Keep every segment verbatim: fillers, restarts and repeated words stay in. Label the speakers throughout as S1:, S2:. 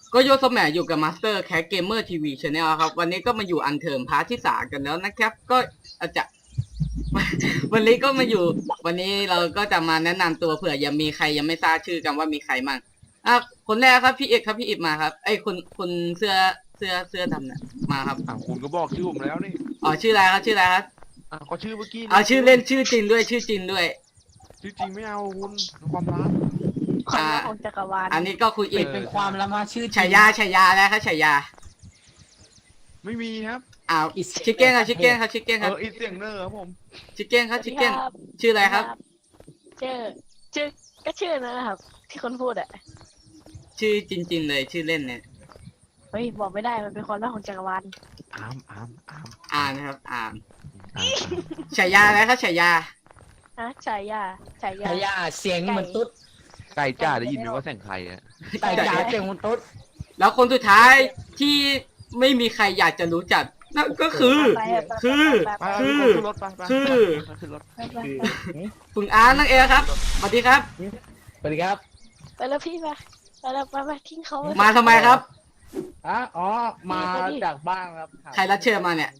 S1: ก็โยสแมอยู่กับมาสเตอร์แคสเกมเมอร์ทีวีชาแนลครับวันนี้ก็มาอยู่อันเทิร์มพาร์ทที่สามกันแล้วนะครับก็อาจจะ วันนี้ก็มาอยู่วันนี้เราก็จะมาแนะนำตัวเผื่อยังมีใครยังไม่ทราบชื่อกันว่ามีใครมั่งอ่ะคนแรกครับพี่เอกครับพี่อิบมาครับไอ้คนคนเสื้อเสื้อเสื้อดำเนี่ยมาครับ
S2: อ่าคุณก็บอกชื่อผมแล้วนี่
S1: อ๋อชื่ออะไรครับชื่ออะไรครับ
S2: อ่าก็ชื่อเมื่อกี้
S1: เอาชื่อเล่นชื่อจริงด้วยชื่อจริงด้วย
S2: ชื่อจริงไม่เอาคุณความลับ
S3: ความลับของจักรวาล
S1: อันนี้ก็คุณอิ
S4: เป็
S1: บ
S4: นเป็นความละมาชื่อ
S1: ฉายาฉายาแล้วครับฉายา
S2: ไม่มีครับ
S1: อ้าวชิคเก้นครับชิคเก้นครับชิคเก้น
S2: เอ
S1: ครับ
S2: ออีเสียงเนอร์ครับผม
S1: ชิคเก้นครับชิคเก้นชื่ออะไรครับ
S3: ชื่อชื่อก็ชื่อนะครับ ที่คนพูดอะ
S1: ชื่อจริง ๆ เลยชื่อเล่นเนี่ย
S3: เฮ้ยบอกไม่ได้มันเป็นความลับของจักรวาล
S2: อามอามอาม
S1: อ่านนะครับอ่าน
S2: อาม
S1: ฉายาอะไรครับฉายา
S3: ฮะฉายาฉายา
S4: ฉายาเสียงเหมือนตุ๊ด
S2: ไก่จ้าได้ยินไหมว่าเสียงใครอะ
S4: แต่จ๋าเสียงเหมือนตุ๊ด
S1: แล้วคนสุดท้ายที่ไม่มีใครอยากจะรู้จักนั่นก็คือ
S3: ไปไป
S1: คือ
S3: ไป
S2: ไป
S3: ไป
S1: คือ
S2: ขึ้นรถไปไป
S1: คือ
S2: ขึ้นรถ
S3: ไปไปไป
S1: คุณอาร์ตนั่นเองครับสวัสดีครับ
S4: สวัสดีครับ
S3: ไปแล้วพี่ไปไปแล้วไปไปทิ้งเขาไว้
S1: มาทำไมครับ
S4: อ่ะอ๋อมาจากบ้านครับ
S1: ใครรับเชิญมาเนี่ย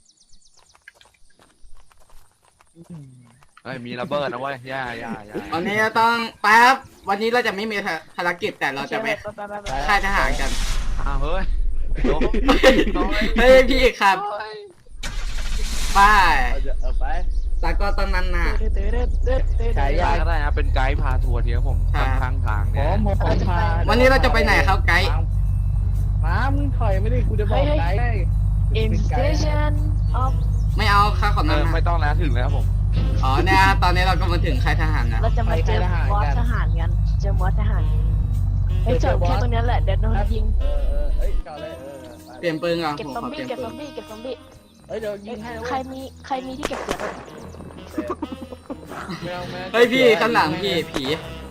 S2: เฮ้ยมีระเบิดนะเว้ยย่าย่าย่า
S1: วันนี้จะต้องไปครับวันนี้เราจะไม่มีภารกิจแต่เราจะไป
S3: ไปไปไปไป
S1: ค่ายทหารกัน
S2: อ้าวเฮ้ยโดน
S1: เฮ้ยพี่เอกครับไป
S4: เอาจะเอาไป
S1: แต่ก็ตอนนั้นน่ะ
S3: เดือดเดือดเดือดเดือดเดือด
S4: ฉายา
S2: ก็ได้นะเป็นไกด์พาทัวร์เที่ยวผม
S1: ครับ
S2: ข้างทาง
S4: ผ
S2: เนี่ย
S4: มผมพา
S1: วันนี้เราจะไปไหนครับไกด์
S4: น้ำมึงถอยไม่ได้กูจะบอกไกด์
S3: อินสเตชันออฟ
S1: ไม่เอาค่าของ
S2: เอ
S1: นั้น
S2: อ
S1: นะ
S2: ไม่ต้องแล้วถึงแล้วผม
S1: อ๋อเนี่ยตอนนี้เราก็มาถึงค่ายทหารนะ
S3: เราจะมาเจอบอสทหารกันเจอบอสทหารไอ้ยจอดแค่ตรงนี้แหละเดี๋ยวโดนยิง
S4: เออเออเอ้ยจอดเลยเออไป
S1: เปลี่ยนปืนก่อน
S3: เก็บ
S1: ผม
S3: ซอม
S1: ขอเป
S3: บี้
S1: ลี่ยน
S3: เก็บ
S1: ปื
S3: ซอน มบี้เก็บซอมบี้
S4: เอ้ยเดี๋ยวยิงให้
S3: ใครมีใครมีที่เก็บเสียง
S4: แมวแมว
S1: เฮ้ยพี่ข้างหลังพี่ผี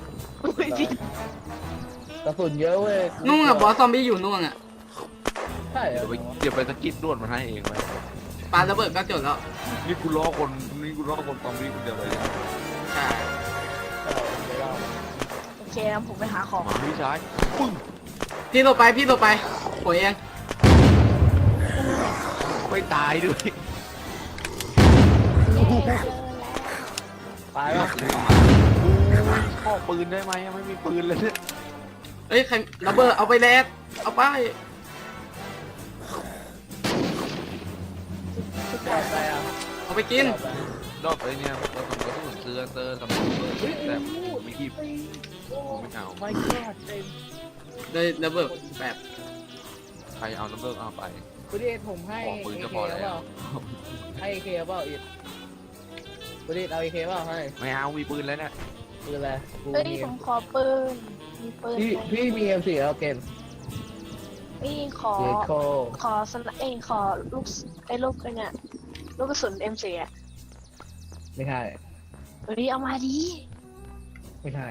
S4: กระสุนเยอะเว้ย
S1: นุ่งอ่ะบอสซอมบี้อยู่นุ่งอ่ะ
S4: ใช่เหร
S2: เดี๋
S4: อ
S2: ยวไปเดี๋ยวไปสกิดด่วนมาให้เองไว้
S1: ปาระเบิดก็จบแล้ว
S2: นี่กูล้อคนนี่กูล้อคนตอมบี้คนเดียวเลย
S1: ใช่
S3: โอเคนะผมไปหาของ
S2: มาพี่ชายปึ้ง
S1: พี่ลงไปพี่ลงไปผมเอง
S2: ไม่ตายด้วย
S4: ไปวะ
S2: ข้อปืนได้ไหมไม่มีปืนเลยเนี่ย
S1: เอ้ยใครระเบิดเอาไปแล้วเอาไป
S4: ไปอ่ะ
S1: เอาไปกิน
S2: รอบไอ้เนี่ยกระสุนกระสุนเสื้อเสื้อสมองแต่ไม่กีบไม่เอา
S4: ไม่กอดเต็ม
S1: เลยระเบิดแบบ
S2: ใครเอาน้ำเบิกเอาไป
S4: คุณเอผมให้
S2: ของปืนก็พอแล้ว
S4: ให้เอเคเปล่าอีกคุณเอเอาเอเคเปล่าให้
S2: ไม่เอามีปืนแล้วเนี่ย
S4: ปืนอะไรกู
S3: เฮ้ย
S4: มี
S3: ผมขอปืนมีปืน
S4: พี่
S3: ไหม
S4: พี่มีเอ็มสี่แล้วเกม
S3: พี่ขอ
S4: เจโค
S3: ขอสนเอยขอลูกไอ้ลูกไอ้เนี่ยลูกกระสุน เอ็ม โฟร์ อ่ะ
S4: ไม่ใช่
S3: เฮ้ยเอามาดิ
S4: ไม่ใช่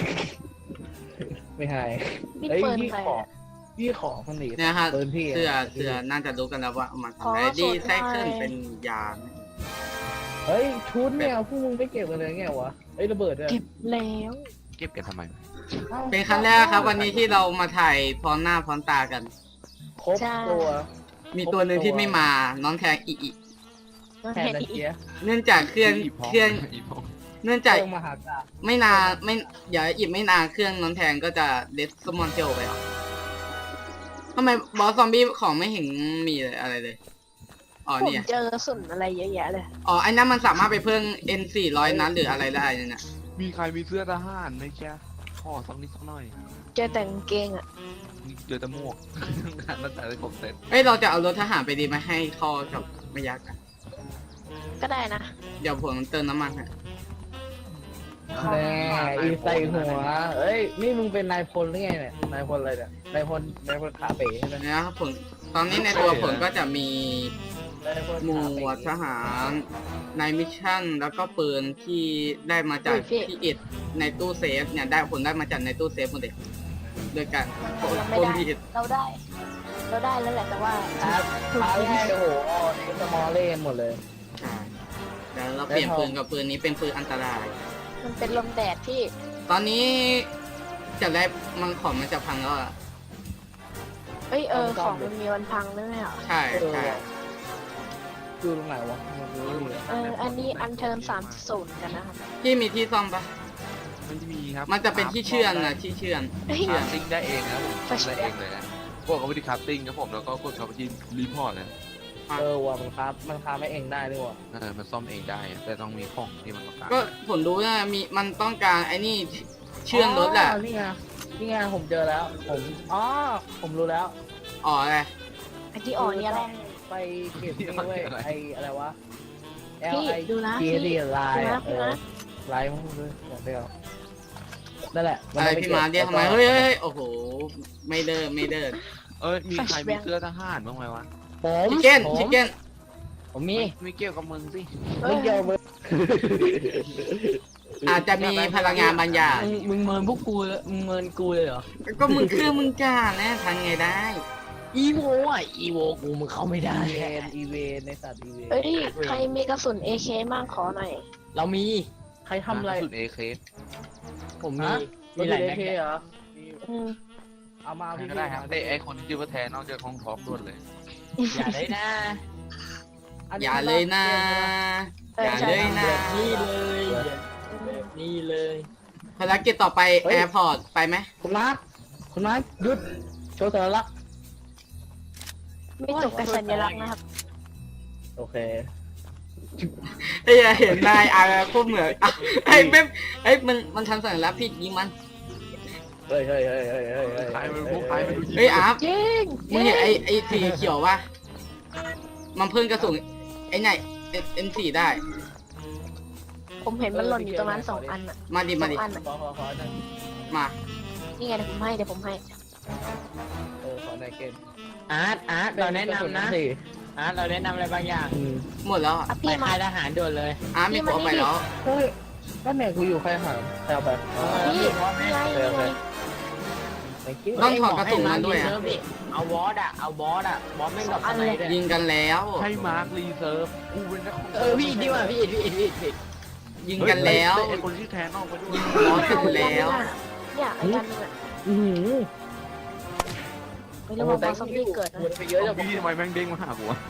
S4: ไม่ใช่
S3: นี่
S4: เอ้ย
S3: ปืน
S4: พี่
S3: ใคร
S4: ขอ
S3: อะ
S4: พี่ขอคนหนี
S1: เนี่ยฮะ
S4: ปืนพี่
S1: เสื้อเสื้อน่าจะรู้กันแล้วว่าเอามาทำอะไรดีไซเคิลเป็นยา
S4: เฮ้ยชุดเนี่ยพวกมึงไม่เก็บกันเลยไงวะเฮ้ยระเบิดด้วย
S3: เก็บแล้ว
S2: เก็บกันทำไม
S4: อ้า
S1: เป็นครั้งแรกครับ วันนี้ที่เรามาถ่ายพร้อมหน้าพร้อมตากัน
S4: ครบตัว
S1: มีตัวหนึ่งที่ไม่มาน้องแทงอีอี
S3: มัน
S4: แทน
S3: เห็น
S4: ตะ
S3: อีก
S4: เกีย
S1: เนื่องจากเครื่องเครื่อง
S2: อีพอง
S1: เนื่อง
S4: จา
S1: จาก
S4: กมหากาพย์
S1: ไม่นานไม่อย่าอีกไม่นานเครื่องน้องแทงก็จะเดสมอนเทลไปหรอทำไมบอสซอมบี้ของไม่เห็นมีเลยอะไรเลยอ๋อ
S3: ผม
S1: เนี่ย
S3: เจอกระสุนอะไรเยอะแยะเลย
S1: อ๋อไอ้นั้นมันสามารถไปเพิ่ม เอ็น สี่ร้อย นัดหรืออะไรได้เนี่ยนะ
S2: มีใครมีเสื้อทหารไหมแกข้อสักนิดสักหน่อย
S3: เจอแต่กางเกงอ่ะ
S2: เจอแต่หมวกงานมันแต่ได้ครบเสร็จ
S1: เอ้ยเราจะเอารถทหารไปดีไหมให้คอกับไม่ยักษ์อะ
S3: ก็ได้นะ
S1: เดี๋ยวผมเติมน้ำมันฮะ
S4: แน่อีใส่หัวเอ้ยนี่มึงเป็นนายพลหรือไงเนี่ยนายพลอะไรเนี่ยนายพลนายพลขาเป๋ใช่ไหม
S1: นะครับผมตอนนี้ในตัวผมก็จะมี
S4: นายพล
S1: หม
S4: ขาเป๋
S1: วดทหารในมิชชั่นแล้วก็ปืนที่ได้มาจากพี่อิดในตู้เซฟเนี่ยได้ผมได้มาจากในตู้เซฟหมดเลยโดยการ
S3: เราไม่
S1: คน
S3: ได้
S1: พี่อิด
S3: เราได้ เราได้แล้วแหละแต่ว่า
S4: ครับ
S3: ถูก
S4: พา
S3: ยิง
S4: แรกโอ้โหในสมอลเล่นหมดเลย
S1: ใช่แล้วเราเปลี่ยนปืนกับปืนนี้เป็นปืนอันตราย
S3: มันเป็นลมแดดที่
S1: ตอนนี้จะได้มังของมันจะพังแล้วอะ
S3: เอ้ยเออของมันมีวันพังด้วยเหรอ
S1: ใช่
S4: เออ
S1: ใช่
S4: ว่ะดูตรงไหนวะมันดูไม่มี
S3: เอออันนี้อันเทิร์นสามศูนย์กันนะครับ
S1: พี่มีที่ซ่อมปะ
S2: ไม่มีครับ
S1: มันจะเป็นที่เชื่อนนะที่เชื่อน
S3: เฮ้ย
S2: คราฟติ้งได้เองนะผมทำได้เองเลยนะพวกเขาไปที่คราฟติ้งครับผมแล้วก็กดเข้าไปที่รีพอร์ตเลย
S4: เออว่ะมันครับมันค้าไม่เองได้ด้วยว่ะ
S2: เออมันซ่อมเองได้อะแต่ต้องมีของที่มันต้องการ
S1: ก็ผมรู้นะมีมันต้องการไอ้นี่เชื่อนรถอะ
S4: นี่ไงนี่ไงผมเจอแล้ว ผมอ๋อผมรู้แล้ว
S1: อ๋ออะไร
S3: อันที่อ่อนเนี่ยแหละ
S4: ไปเก็บนี่เว้ยไออะไรวะ L
S3: พี่
S4: I
S3: ดูนะ
S4: G
S3: พี่
S4: D ไลน์
S3: ดูนะ
S4: เอ
S3: พี่
S4: อ
S3: นะ
S4: ไลน์มันเลยบอกเดียวนั่นแหละ
S1: อะไรพี่มาเรียกทำไมเฮ้ยเฮ้ยโอ้โหไม่เดินไม่เดิน
S2: เอ้ยมีใครมีเสื้อทหารบ้างไหมวะ
S4: ผม
S1: ชิคเก้น
S4: ผม
S1: ชิคเก้น
S4: ผมมี
S2: ไม่เกี่ยวกับมึงสิ
S4: ไม่เกี่ยวมึง
S1: อาจจะมีพลังงานบางอย่าง
S5: มึงมึงเมินพวกกูเลยมึงเมินกูเลยเหรอ
S1: ก็มึงคือมึงกล้าแน่ทางไงได้
S5: อีโวอ่ะ อีโวกูมึงเข้าไม่ได้
S4: อีเวนอีเวนในสัตว์อีเวน
S3: เอ้ยใครมีกระสุน เอ เค มั่งขอหน่อย
S5: เรามี
S4: ใครทำอะไร
S2: สุดเอเค
S5: ผมมี
S4: ฮะ
S5: มีหลาย
S4: เอ
S5: แม็ก
S4: เค
S5: เนี่ย
S4: เหรอ
S3: อืม
S4: เอามาพี่
S2: ก็ได้ครับได้ไอคนที่ชื่อว่าแทนนอกจากของท็อปด้วยเลย
S5: อย่าเลยนะ
S1: อย่าเลยนะ อย่าเลยนะ
S5: แบบนี้เลยแบบนี้เลย
S1: ภารกิจต่อไปแอร์พอร์ตไปไหม
S4: คุณมาร์คคุณมาร์คหยุดโชว์สัญลักษณ์
S3: ไม่จบกับสัญลักษณ์นะครับ
S4: โอเค
S1: เอ้ยเห็นนายอาโคตรเหมือนอ่ะไอ้เป๊ปไอ้ยมันมันทำสัญลักษณ์พี่ยิงมัน
S4: เฮ้ยเฮ้ยเฮ้ยเฮ้ยเฮ้ยเฮ้ย
S2: ใครมันพวกใครมันดู
S1: เฮ้ยอาร์ฟ
S3: จริง
S1: มึงเห็นไอ้ไอ้สีเขียวปะมันเพิ่งกระสุนไอ้ไหนเอ็นสี่ได้
S3: ผมเห็นมันหล่นอยู่ตรงนั้นสองอันอ่ะ
S1: มาดิ
S3: ส
S1: มา
S3: อง
S1: ดิ
S3: อันอ่ะ
S4: ขอขอขอหน่อย
S1: มา
S3: นี่ไงเดี๋ยวผมให้เดี๋ยวผมให้
S4: เออขอหน่อยเกม
S5: อาร์ตอาร์ตเราแนะนำนะ
S4: สิ
S5: อาร์ตเราแนะนำอะไรบางอย่าง
S4: อืม
S1: หมดแล้วอ่ะ
S3: อ่ะ
S5: ไป
S3: พี่มา
S5: ค่ายทหารด่วนเลย
S1: อาร์ฟมีตัวไปแล้ว
S4: เฮ้ยก็เนี่ยกูอยู่ใครหามใครเอาไป
S3: พี่นี่ไงนี่ไง
S4: ไม่คิด
S1: ต้องถอดกระสุนมันด้วยอะ
S5: เอาวอสอ่ะ เอาบอสอ่ะ บอสไม่งกับอะไรด้วย
S1: ยิงกันแล้ว
S2: ให้มาร์ครีเซิร์ฟกูเป็นนัก
S5: เออพี่ดีกว่าพี่พี่พี่พี่พี่
S1: ยิงกันแล้ว
S2: ไอคนที่แทนนอกไปด้วย
S1: ยิงบอสกันแล้ว
S3: เนี่ยไอ้กันนึงอ่ะ
S4: อือหือ
S3: ไม่รู้ว่าบอสซอมบี้เกิดนะ
S4: หมดไปเยอะจะบอก
S2: พี่ทำไมแม่งเด้งมาหากูวะ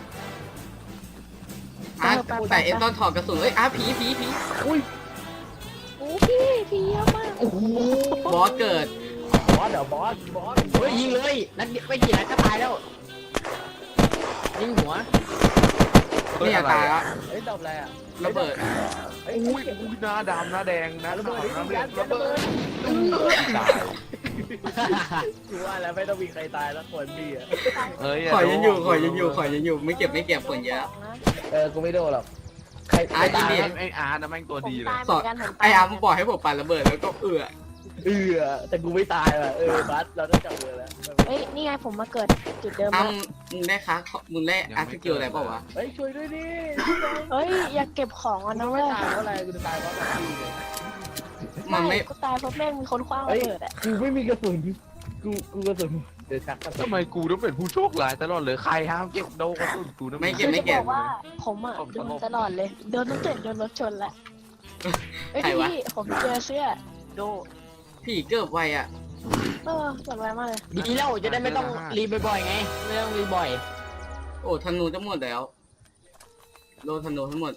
S1: อาร์ฟแต่เอ็นต้องถอดกระสุนเอ้ยอาร์ฟผีผีผี
S4: อุ้ย
S3: โอ้พี่พี่เยอะมาก
S4: โอ้โห
S1: บอสเกิด
S4: บอสเดี๋ยวบอสบอส
S5: เฮ้ยยิงเลยนัดเดียวไม่กี่นัดก็ตายแล้ว ยิงหัว
S1: นี่อย่าตายแล้ว
S4: เฮ้ยตอบอะไรอ่ะ
S1: ระเบิด
S4: เฮ้ย
S2: อุ้ยอุ้ยหน้าดำหน้าแดงหน้า
S4: ระ
S2: ขาว
S4: เบิด
S2: หน้า
S4: ระ
S2: เหลื
S4: เบิ
S2: อง
S4: ด
S2: ระ
S4: ระ
S2: เบิ
S4: เบิ
S2: ด
S4: ด
S2: ตาย
S4: กูว่าแล้วไม่ต้องมีใครตายแล้วคนพี่อ่ะ
S2: เฮ้ย
S1: ขอยังอยู่ขอยังอยู่ขอยังอยู่ไม่เก็บไม่เก็บผลเยอะ
S4: เออกูไม่โดนหรอกใคร
S1: อ่ะ
S4: ตาย
S1: ยินดี
S2: ไออาร์ตนะแม่งตัว
S3: ผม
S2: ดีเลย
S3: ตายเหมือนกันผมตาย
S1: ไออาร์มบอกให้ผมปาระเบิดแล้วก็เอือ
S4: เออแต่กูไม่ตายว่ะเออบัสเราต้องจับมือแล้ว
S3: เฮ้ยนี่ไงผมมาเกิดจุดเดิม
S1: อ้า
S3: แล้ว
S1: มึงได้ค้ามึงได้อาร์ตสกิลอะไรเปล่าวะ
S4: เฮ้ยช่วยด้วยดิ
S3: เฮ้ยอย่าเก็บของอ่ะ
S4: กู
S3: นะ
S4: ไม่
S3: เว้ย
S4: ตายเพราะอะไรกูจะตายเพราะอะไรเลย
S1: มันไม่
S3: กูตายเพราะแม่งมีคนคว้างระเบิดอ่ะ
S4: กูไม่มีกระสุนกูกูกระสุนเดี๋ยวชักกระสุน
S2: ทำไมกูต้องเป็นผู้โชคร้ายตลอดเลยใครห้ามเก็บโดนกระสุนกูนะ
S1: ไม่เก็
S3: คื
S1: บ
S3: อ
S1: ไม่
S3: จะ
S1: เก็
S3: บบ อกว่าผมอ่ะโดนตลอดเลยโดนตั้งแต่โดนรถชนแล้วเอ้ย
S1: ใครวะ
S3: พี่ผมเจอเสื้อโด
S1: ผีเกิดไวอ่ะ
S3: เออเกิดไวมากเลย
S5: ดีแล้วจะได้ไม่ต้องรีบบ่อยๆไง ไม่ต้องรีบบ่อย
S1: โอ้ธนูจะหมดแล้วโดนธนูทั้งหมด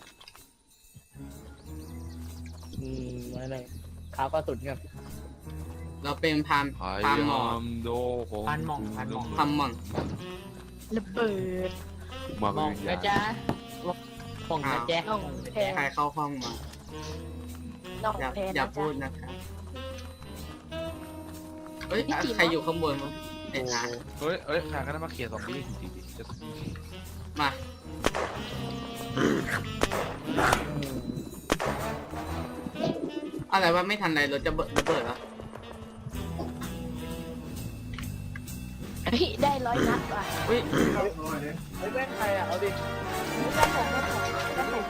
S4: อืมไม่ไม่ขาวกระสุนกัน
S1: เราเป็นพาม
S2: พยา
S1: พามหมอย
S2: ามโดของ
S5: พันหม่องพันหม่อง
S1: พามมอน
S3: ระเบิด
S2: มา
S5: มอง
S2: เป็น
S5: นะ
S2: ยา
S5: จ๊ะมองนะจ๊ะ
S3: น้องแพง
S1: ใครเข้าห้องมา
S3: น้อง
S1: อย่า
S3: แพง
S1: อย่า
S3: นะ
S1: พู
S3: จ๊ะ
S1: ดนะครับเฮ้ยอ่ะใครอยู่ข้างบนวะไอ้อาร์ต
S2: เฮ้ยเฮ้ยใครก็ได้มาเคลียร์ซอมบี้จริงๆจะ
S1: มา อะไรวะไม่ทันไรรถจะเบิดระเบิดแล้ว
S3: เฮ้ยได้ร้อยนัดว่ะ
S1: อุ้ย
S4: เฮ้ยแม่งใครอ่ะเอาดิ
S3: ได้ผมได้ผมได้ผม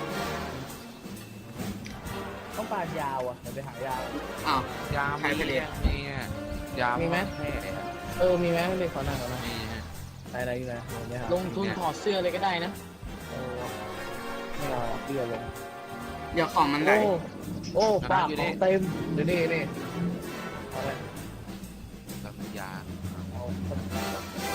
S4: ต้องปาดยาวอ่ะเดี๋ยวไปหายาว
S1: อ้าว
S2: ยาม
S1: ใครไปเรียน
S2: มีอ่ะยาม
S4: มีไหม
S2: แม่
S4: เออมีไหมไม่มีขอหน้าขอหน้า
S2: มีฮะ
S4: ไหนไหนอยู่ไหนไม่หา
S5: ลงทุนถอดเสื้อเลยก็ได้นะ
S4: เออไม่เอาเบี้ยลง
S1: เดี๋ยวของมันไหล
S4: โอ้โอ้ปากของเต็มเดี๋ยวนี่นี่เอาเลย
S2: แล้วยา
S4: เอา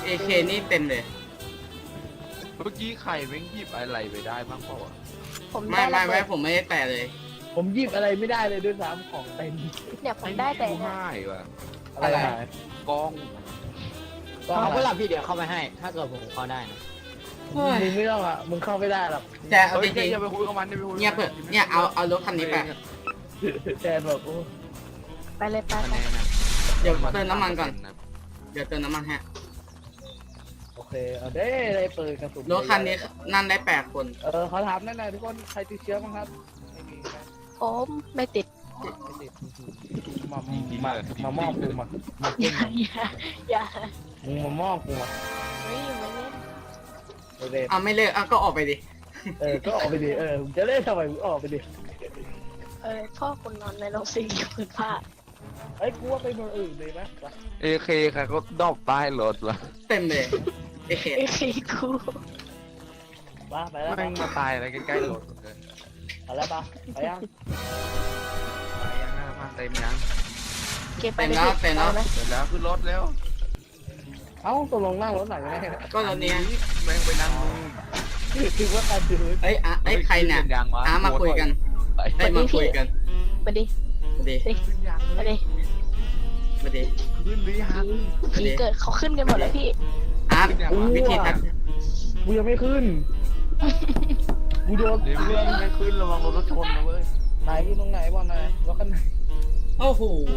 S1: เอเคนี่เต็มเลย
S2: เมื่อกี้ใครแม่งหยิบอะไรไปได้บ้างเปล่าวะ
S3: ผม
S1: ไม่
S3: ได้
S1: ไม่
S3: ระ
S1: ไม่
S3: เบิด
S1: ผมไม่ได้แตะเลย
S4: ผมหยิบอะไรไม่ได้เลยด้วยซ้ำของเต็ม
S3: เนี่ยผมได้แต่
S2: กู
S3: เนี่ย
S2: ง่ายว่ะ
S4: อะไร
S1: อะไร
S4: หาย
S2: กล้อง
S4: ก็
S5: เขา
S4: อะไร
S5: ก็หลับพี่เดี๋ยวเข้าไปให้ ถ้าเกิดผมเข้าได้นะ
S1: เฮ้ย
S4: มึงไม่ต้องอ่ะมึงเข้าไม่ได้หรอก
S1: แต่เอา
S2: เฮ้
S1: จ
S2: ย
S1: ริง
S2: อย่าไปคุยกับมันอย่าไปคุย
S1: ๆเงียบเถอะเนี่ยเอาเอารถคันนี้ไป
S4: แทนบอกโอ้
S3: ไปเลยไป
S2: คะ
S3: ไป
S2: แนนนะ
S1: เดี๋ยวเติมน้ำมันก่อน เดี๋ยวเติมน้ำมันฮะ
S4: โอเคเอาได้เลยเปิดกระสุน
S1: รถคันนี้นั่งได้แปดคน
S4: เออเขาถามนั่นนะทุกคนใครติดเชื้อบ้างครับไม่มีนะ
S3: ผมไม่ติด
S4: ไม่ติดมามามามอบกูมามา
S3: อ
S4: เก่
S3: ย่าง อย่าอย่า
S4: มึงมามอบกูมา
S3: เฮ้ยไม่เล่น
S4: เออเด
S1: เอาไม่เลิกเอาก็ออกไปดิ
S4: เออก็ออกไปดิเออมึงจะเล่นทำไมมึงออกไปดิ
S3: เออพ่อคุณนอนในโรงสีอยู่พื้นผ้า
S4: เอ้ยกูว่าไปเมืองอื่นเลยไหมไป
S2: เอเคใครก็ดอกใต้รถวะ
S1: เต็มเลยเอเค
S3: ไอ้ขี้กู
S4: ไปไปแล้วไป
S2: แม่งมาตายอะไรใกล้ๆรถเลย
S4: ไปแล้วปะไปยัง
S2: ไปยังหน้ามาเต็มยัง
S3: เก็บไปเลยพี่เอาไหม
S2: เสร็จแล้วขึ้นรถแล้ว
S4: เอ้าตกลงนั่งรถไหนกันแน่
S1: ก็รถเนี้ย
S2: แม่งไปนั่งนู่น
S4: คือว่าการดู
S1: เอ้ยอ่ะเอ้ยใครเนี่ย
S2: ขึ้ยังวะ
S1: อ่ะมาคุยกัน
S2: ไป
S1: เอ้ยมาคุยกัน
S3: ไปดิ
S1: มาดิ
S2: ขึ้นยัง
S3: ไปดิ
S1: มาดิ
S2: ขึ้นหรือยัง
S3: ผีเกิดเขาขึ้นกันหมดแล้วพี่
S1: อ่ะวิธีทัก
S4: กูยังไม่ขึ้นกูโดน
S2: เดี๋ยวเรื่องไม่ขึ้นระวังรถชนนะเว้ย
S4: ไหนอยู่ตรงไหนบอลไหนรถกันไหน
S1: โอ้โห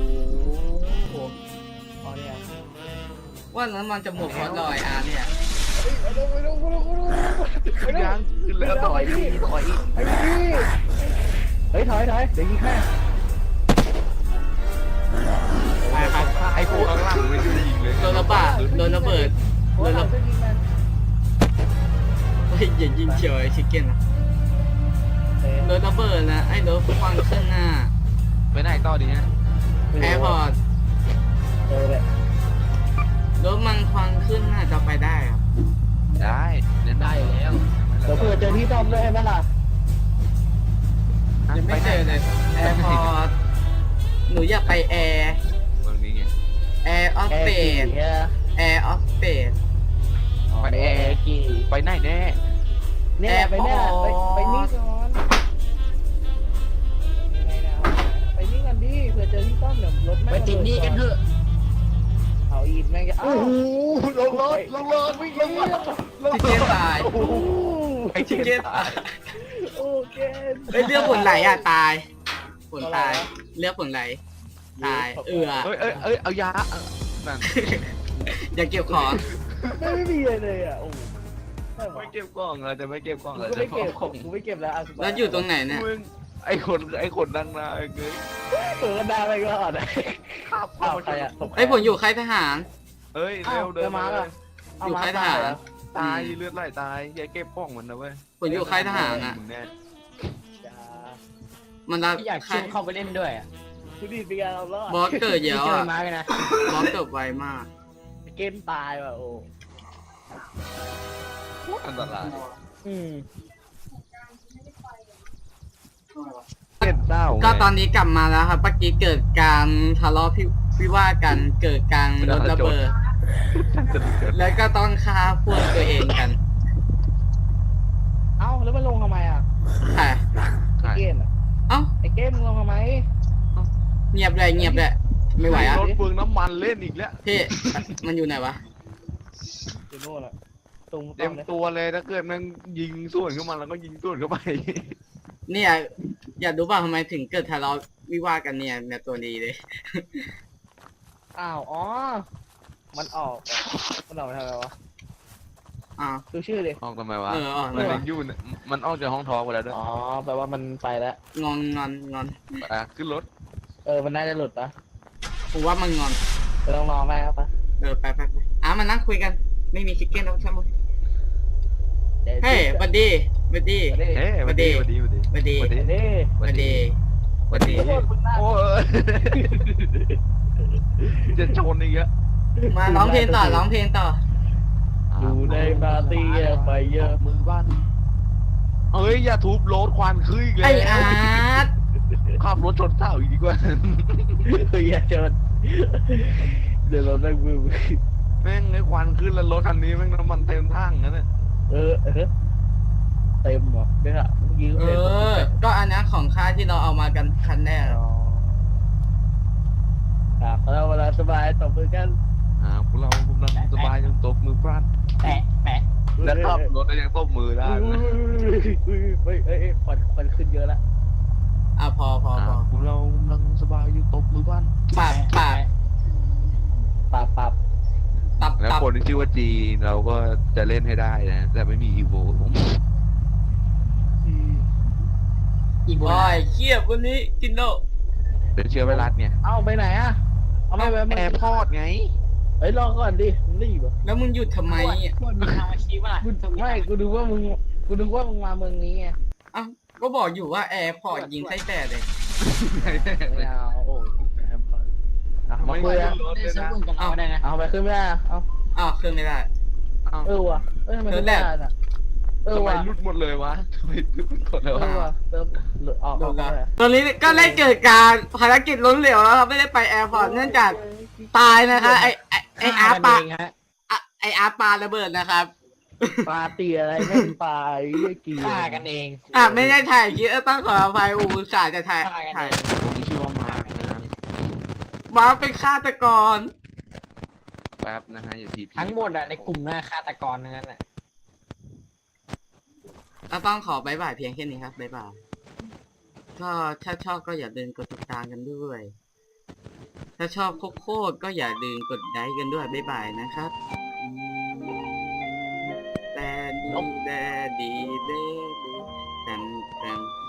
S4: อ๋อเนี่ย
S1: ว่านั้นมันจะหมดเพราะรอยอาเนี่ย
S4: ไปดูไปดูไปดูไปดู
S2: ขึ้นยังขึ้นแล้วต่อยอีกต่อยอีก
S4: ไอ้พี่เฮ้ยถอยถอยเดี๋ยวยิงแค่
S2: ไอ้พวกข้างล่างไม่ได้ยิงเลย
S1: โดนระบาดโดนระเบิด
S4: โดนระเบิดยิงมัน
S1: เฮ้ยอย่ายิงเฉียวไอ้ชิคเก้นนะโดนระเบิดนะไอ้รถควันขึ้นหน้า
S2: ไปไหนต่อดีฮะ
S1: แอร์พอร์ต
S4: เออเลย
S1: รถมันควันขึ้นหน้าจะไปได้อะ
S2: ได้เล่นได้แล้ว
S4: เดี๋ยวเผื่อเจอที่ซ่อมด้วยใช่ไหมล่ะ
S1: ยังไม่เจอเลยแอร์พอร์ตหนูอยากไปแอร์
S2: เมืองนี้ไง
S1: แอร์ออฟ
S4: แอ
S1: ส
S4: ร์
S1: เป
S4: กี่
S1: ซ
S4: เนี่ย
S1: แอร์ออฟสเปซ
S2: ไปแอร์
S4: กี่
S2: ไปไหนแน่
S4: เนี่ยไปเนี่ยไปไปนี่ก่อนยังไงนะไปนี่กันดิเผื่อเจอที่ซ่อมเดี๋ยวรถ
S5: ไปติดหนี่กันเถอะ
S4: เอาอีกแม่งจะ
S2: โอ้โหลงรถลงรถวิ่งลงรถ
S1: ชิคเก้นตาย
S2: โอ้โห
S1: ไอ้ชิคเก้นตาย
S4: โอเค
S1: เฮ้ยเลือดผลไหลอ่ะตายผลตายเลือดผลไหลตายเอือ
S2: เอ้ยเอ้ยเอ้ยเอายานั่น
S1: อย่าเก็บของ
S4: ไม่ไม่มีอะไรเลยอ่ะโอ้ไม่ไหว
S2: ไม่เก็บกล่องเลยจะไม่เก็บกล่อง
S4: กู
S2: เลย
S4: ก็ไม่เก็บของกูไม่เก็บแล้วอ่ะ
S1: แล้วอยู่ตรงไหนเนี่ย
S2: มึงไอ้คนไอ้คนดังนาไอ้เงย
S4: เปิดกันได้ไปก่อน
S2: ข้าว
S4: อ้าวใครอ่ะ
S1: ไอ้ยผมอยู่ค่ายทหาร
S2: เอ้ยเร็วเดินมาเลย
S1: อยู่ค่ายทหาร
S2: ตายเลือดไหลตายอย่าเก็บกล่องมันนะเว้ย
S1: ผมอยู่ค่ายทหารอ่ะ
S2: มึงแน่
S1: มันรับ
S5: พี่อยากเชื่อเข้าไปเล่นด้วยอ่ะ
S4: กูดีเป็นการเรารอด
S1: บอสเกิดเย
S5: พี่
S1: อะ
S5: เจอ
S1: อ่ะ
S5: มาเลยนะ
S1: บอสเกิดไวมาก
S4: เกมตายว่ะโอ้
S2: อันตราย
S4: อืม
S2: เก็บเต้า
S1: ก็ตอนนี้กลับมาแล้วครับเมื่อกี้เกิดการทะเลาะพิวิวาทกันเกิดการรถระเบิด
S2: จะเกิด
S1: แล้วก็ต้องฆ่าพวกตัวเองกัน
S4: เอ้าแล้วมันลงทำไมอ่ะ
S1: ค่ะ
S4: ไอ้เกมอ่ะ
S1: เอ้า
S4: ไอ้เกมมึงลงทำไม
S1: เงียบเลยเงียบเลยไม่ไหวอ่ะ
S2: รถเปลืองน้ำมันเล่นอีกแล้ว
S1: พี่มันอยู่ไหนวะ
S4: อยู่โน่นอ่ะตรง
S2: เต็ม
S4: เลย
S2: ตัวเลยถ้าเกิดมันยิงส่วนเข้ามาแล้วก็ยิงส่วนเข้าไป
S1: เนี่ยอยากรู้ป่ะทำไมถึงเกิดทะเลาะวิวาทกันเนี่ยเนี่ยตัวดีเลย
S4: อ้าวอ๋อมันออกอ่ะมันออกไปทำไมวะ
S1: อ้าว
S4: ดูชื่อดิ
S2: ออกทำไมวะ
S1: เอออ๋อ
S2: มันยังอยู่เนี่ยมันออกจากห้องทอไปแล้วด้วย
S4: อ๋อแปลว่ามันไปแล้ว
S1: งอนงอนงอน
S2: อ่ะขึ้นรถ
S4: เออมันน่าจะหลุดปะ
S1: ผมว่ามันงอน
S4: ไปลองรอแม่ครับปะ
S1: เออไปไปไปอ่ะมานั่งคุยกัน ไม่มีชิคเก้นแล้วใช่ไหม
S4: ดี๋ยว
S1: เฮ้ยบัดดี้บัดดี้
S4: เดี๋ยว
S2: เฮ้ยสวัสดีสวัสดีสวัสดี
S1: บัดดี้
S2: สวัสดี
S4: เดี๋ยว
S1: บัดดี้
S2: สวัสดี
S4: โทษคุณมาก
S2: โอ้ยจะชนอีกแล้ว
S1: มาร้องเพลงต่อร้องเพลงต่อ
S4: อยู่ในปาร์ตี้เยอะไปเยอะ
S2: มือบ้านเอ้ยอย่าทุบรถควันขึ้นอีก
S1: ไอ
S2: แล้ว
S1: อาร์ต
S2: ขับรถชนเสาอีกดีกว่า
S4: เฮ้ยอย่าเจิดเดี๋ยวเราได้มือ
S2: เแม่งไอ้ควันขึ้นแล้วรถคันนี้แม่งน้ำมันเต็มถังนั่นน่ะ
S4: เออเออเต็มเหรอเนี่ยเมื่อกี้
S1: เอ
S4: เต็ม
S1: อ ก็อันนั้นของค่าที่เราเอามากันคันแรก
S4: อ๋อครับเราเวลาสบายตบมือกัน
S2: อ่าพวกเรากำลังสบายยังตบมือพลัน
S5: แปะแปะ
S2: แล้วขับรถก็ยังตบมือได้
S4: อุ้ย
S2: นะ
S4: อุ้ยอุ้ยเอ้ยควันควันขึ้นเยอะแล้ว
S1: อ่ะพอพอพอ
S2: พวกเรากำลังสบายอยู่ตบมือพลัน
S1: ปรับปรับ
S4: ปรับปรับ
S1: ปรับ
S2: แล้ว
S1: ปรับ
S2: คนที่ชื่อว่าจีเราก็จะเล่นให้ได้นะแต่ไม่มีอีโวผม
S5: อีโบ
S1: โอ้
S5: ลาย
S1: เขี้ยวันนี้กินโล
S2: เป็นเชื้อไวรัสไง
S4: เอาไปไหนอะเอาไม่ไป
S2: แอร์พอร์ตไง
S4: เฮ้ยรอก่อนดิมึงรีบเหรอ
S1: แล้วมึงหยุดทำไมอ่ะ
S5: พวกมีทางมาชี้ว่า
S4: กูไม่กูดูว่ามึงกูดูว่ามึงมาเมืองนี้ไง
S1: อ้าวก็บอกอยู่ว่าแอร์พอร์ตยิงไส้แตกเลย
S4: ไม่เอาโอ้ยแอร์พอร์ตอ่ะมาคุยอะ
S5: ได้ซื้อบุญกับเราได้นะ
S4: เอาไปขึ้นไม่ได้อะเอา
S1: อ้าวขึ้นไม่ได้
S4: เออว่ะเอ้ยทำไมขึ้นไม่ได้น่ะเออ
S2: ทำไม
S4: ว่ะ
S2: รุดหมดเลยวะทำไมรุดหมดเล
S4: เอย อ
S2: วะ
S4: ว่ะเติมหลุดออก
S1: โด
S4: ออน ก
S1: ละ
S4: ไป
S1: ตอนนี้ก็ได้เกิดการภารกิจล้มเหลวแล้วครับไม่ได้ไปแอร์พอร์ตเนื่องจากตายนะคะไอไอไออาร์ตปา
S5: เองฮะ
S1: อะไออาร์ตปาระเบิดนะครับ
S4: ปลาเตียอะไรไม่เป็นปลาไอ้เหี้ยกี
S5: ฆ่ากันเอง
S1: อ่ะไม่ได้ถ่ายคลิปเออต้องขออภัยอูอุตส่าห์จะถ่าย
S5: ฆ่ากัน
S1: ถ่าย
S5: เอง
S2: ผมชื่อว่ามาร์คนะครับ
S1: ว้าวเป็นฆาตกร
S2: แป๊บนะฮะอย่าทีพี
S5: ทั้งหมดอะในกลุ่มหน้าฆาตกรทั้งนั้นแหละ
S1: ก็ต้องขอบายบายเพียงแค่นี้ครับบายบายก็ถ้าชอบก็อย่าลืมกดติดตามกันด้วย ถ้าชอบโคตรๆก็อย่าลืมกดไลค์กันด้วยบายบายนะครับแต่ดีแต่ดีเด้ดีแตมแตม